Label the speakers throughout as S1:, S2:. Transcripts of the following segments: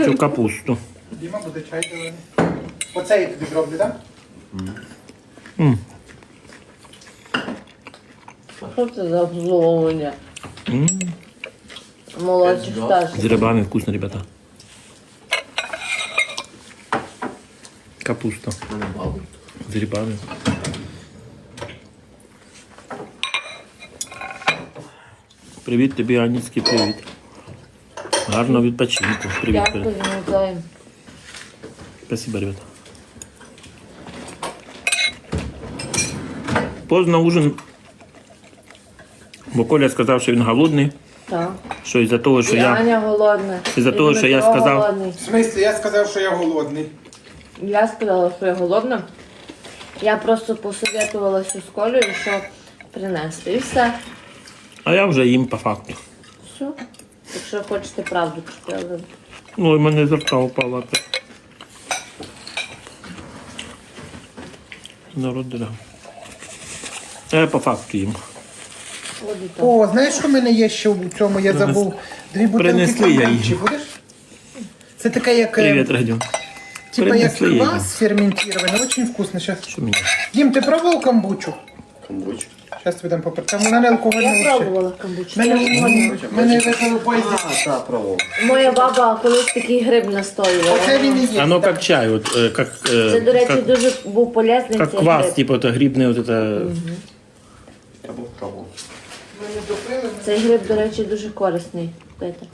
S1: хочу капусту.
S2: Діма, буде чай зелений. Оце я тобі зроблю, так?
S3: Що це за обслуговування? Молодших старших.
S1: С грибами вкусно, ребята. Капуста. С грибами. Привіт тобі, Аніцький, привіт. Гарного відпочинку. Привіт.
S3: Дякую, Миколай.
S1: Спасибо, ребята. Поздно ужин. Бо Коля сказав, що він голодний.
S3: Так.
S1: Що із-за того, що
S3: І
S1: я...
S3: Аня голодна.
S1: Із-за
S3: І
S1: того, що я
S3: Дмитро
S1: сказав-
S3: голодний.
S2: В смислі, я сказав, що я голодний.
S3: Я сказала, що я голодна. Я просто посоветувалася з Колею, що принести. І все.
S1: А я вже їм по факту.
S3: Все. Якщо хочете правду чути, але...
S1: Ой, в мене з рта упала опять. Народ дорога. А я по факту їм.
S3: От і так.
S2: О, знаєш, що в мене є ще у цьому? Я забув. Дві бутилки
S1: Принесли я
S2: комбучі.
S1: її.
S2: Будеш? Це таке, як...
S1: Привіт, Радіо.
S2: Типа як
S1: Принесли я її.
S2: квас ферментирований. Очень вкусно. Сейчас.
S1: Що мені?
S2: Дім, ти пробував камбучу?
S4: Камбуч.
S2: Зараз тобі дам попри. Там вона не алкогольна
S3: Я
S2: вообще.
S3: пробувала камбучу.
S2: Мене випили в поїзді.
S4: Так, пробував.
S3: Моя баба колись такий гриб настоювала.
S2: Оце він і є.
S1: Оно как чай, вот, как,
S3: Це, до речі,
S1: как,
S3: дуже був полезний
S1: как
S3: цей
S1: квас,
S3: гриб.
S1: типа, это грибный, вот это...
S4: Я був пробував.
S2: Ми не допили.
S3: Цей гриб, до речі, дуже корисний. Пити.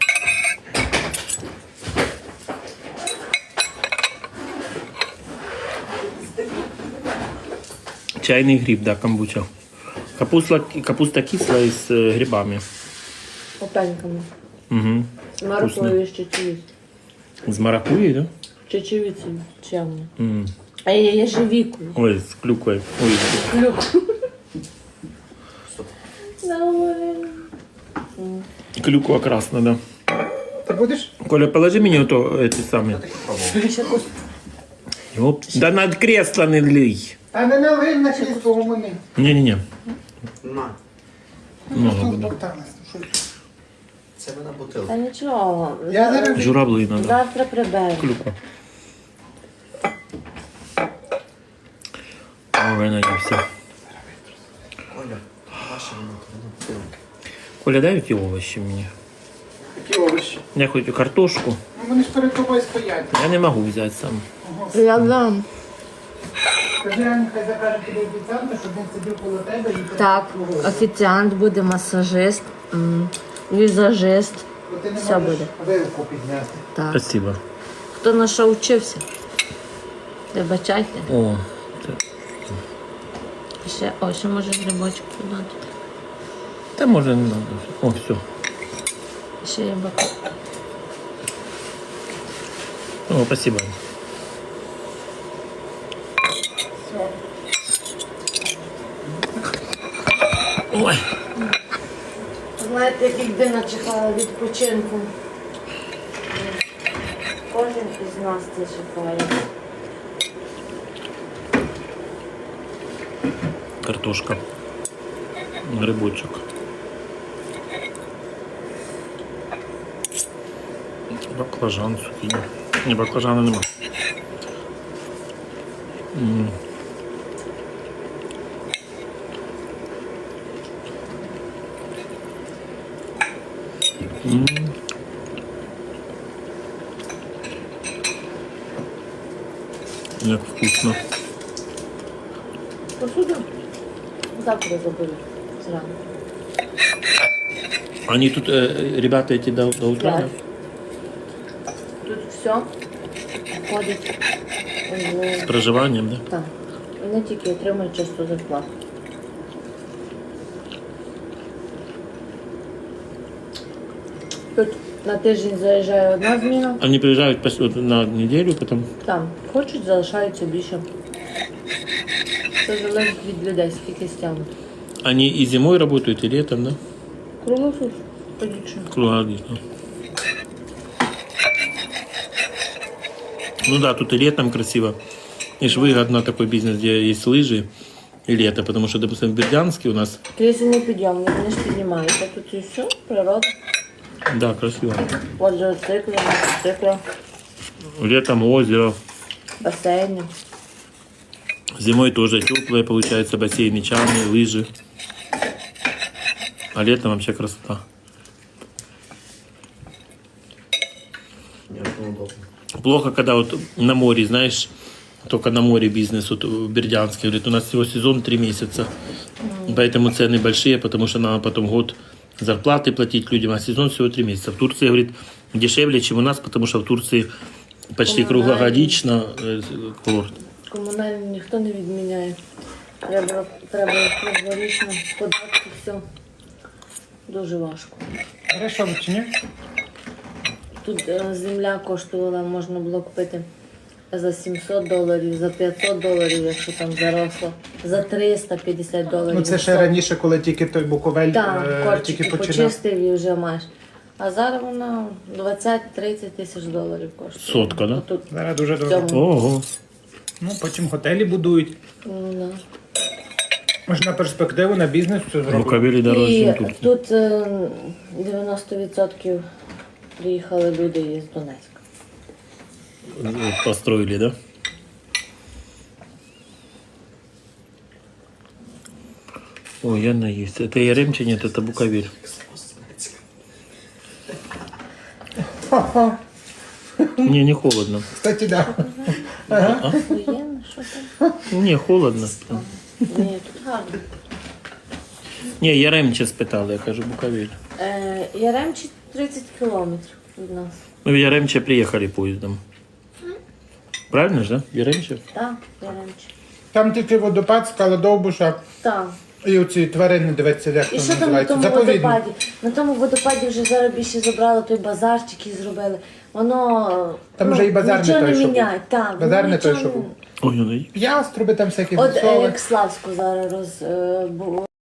S1: Чайный гриб, да, камбуча. Капуста кислая с грибами.
S3: Опеньками.
S1: Угу.
S3: З морквою і з чечевицею.
S1: С маракуйей, да?
S3: Чечевицею, чемно.
S1: М.
S3: А я ежевікою.
S1: Ой, с клюквой. Ой, клюква красная, да.
S2: Ти будеш?
S1: Коля, положи мне вот эти самые. Оп. Да над кресло не лей.
S2: А не налив на крісло гумани.
S1: Не-не-не.
S4: На.
S1: Много
S2: Тут
S1: буде.
S2: бокалась.
S4: Це вона бутилка.
S3: Та нічого.
S2: Я зараз...
S1: Журавли надо.
S3: Завтра приберу.
S1: Клюква. Ой, наївся.
S4: Оля, ваша бутилка.
S1: Коля, дай эти овощи мне.
S2: Такі овочі.
S1: Я хочу картошку.
S2: Ну вони ж перед тобою стоять.
S1: Я не могу взять сам.
S3: Я дам.
S2: Скажи, Аня, хай закаже тобі офіціанта, щоб він сидів коло тебе і...
S3: Так, офіціант буде, масажист, візажист.
S2: Бо ти не
S3: все
S2: можеш
S3: буде.
S2: вилку підняти.
S3: Так.
S1: Спасибо.
S3: Хто на що вчився? Вибачайте.
S1: О,
S3: Ще може грибочок подати.
S1: да можно не надо. О, все.
S3: Ще є бака.
S1: О, спасибо.
S2: Все.
S1: Ой.
S3: Знаєте, якби начекала відпочинку. Кожен із нас це чекає.
S1: Картошка. Грибочок. Баклажан, цукини. Не, баклажана нема. Як вкусно.
S3: Посуду завтра заберу зранку.
S1: Они тут, ребята, эти до утра, да?
S3: Тут все входить
S1: С проживанием, да?
S3: так. Вони тільки отримують часто зарплату. Тут на тиждень заїжджає одна зміна,
S1: Они приезжают на неделю, потом...
S3: там хочуть, залишаються більше. Це залежить від людей, скільки стягнуть.
S1: Они и зимой работают, и летом, да?
S3: Круглосуд, ходячи.
S1: Круглогодично. Ну да, тут и летом красиво. И ж выгодно такой бизнес, где есть лыжи и лето, потому что, допустим, в Бердянске у нас...
S3: Крізь не підйомні, вони ж піднімаються. Тут і все, природа.
S1: Да, красиво.
S3: Квадроцикли, мотоцикли,
S1: Летом озеро.
S3: басейни.
S1: Зимой тоже теплые, получается, бассейны, чаны, лыжи. А летом вообще красота.
S4: Неудобно.
S1: Плохо, когда вот на море, знаешь, только на море бизнес, вот в Бердянске, говорит, у нас всего сезон 3 месяца. Поэтому цены большие, потому что надо потом год зарплаты платить людям, а сезон всего 3 месяца. В Турции, говорит, дешевле, чем у нас, потому что в Турции почти
S3: Коммунальные.
S1: круглогодично курорт.
S3: Комунальні ніхто не відміняє. Треба круглорічно, податки, все. Дуже важко.
S2: Береш овочі, чи ні?
S3: Тут земля коштувала, можна було купити за $700, за $500, якщо там заросло, за $350.
S2: Ну це ще раніше, коли тільки той Буковель
S3: Так,
S2: тільки
S3: корчики
S2: починав.
S3: почистив і вже маєш. А зараз вона 20-30 тисяч доларів коштує.
S1: Сотка, да?
S3: Тут
S2: Зараз дуже
S3: в
S2: дорого.
S3: цьому.
S1: Ого.
S2: Ну, потім готелі будують.
S3: Ну, да.
S2: Може на перспективу, на бізнес це зробити.
S1: Буковелі дорожче,
S3: І
S1: ніж тут.
S3: тут 90% приїхали люди із Донецька.
S1: Построили, да? Ой, я наесть. Это Яремче, нет, это Буковель. Не, не холодно.
S2: Кстати, да.
S3: Воєнне, що там?
S1: Не, холодно.
S3: Ні, тут гарно.
S1: Не, Яремче спитали, я кажу, Буковель.
S3: Яремчі 30 кілометрів від нас.
S1: Мы в Яремче приехали поездом. Правильно же, да? Яремче?
S3: Так, Яремчі.
S2: Там тільки водопад, скала Довбуша
S3: Так.
S2: і оці тварини, дивиться, як
S3: І
S2: там
S3: що там на
S2: називається.
S3: тому
S2: Заповідник.
S3: водопаді? На тому водопаді вже зараз більше забрали той базарчик і зробили. Воно
S2: Там вже і базар не
S3: нічого
S2: той,
S3: не
S2: що був.
S3: міняє. Так, воно
S2: Базар не той,
S3: нічого
S2: що був.
S1: Ой, ну,
S2: Яструби там всякі
S3: От
S2: засови.
S3: як Славську зараз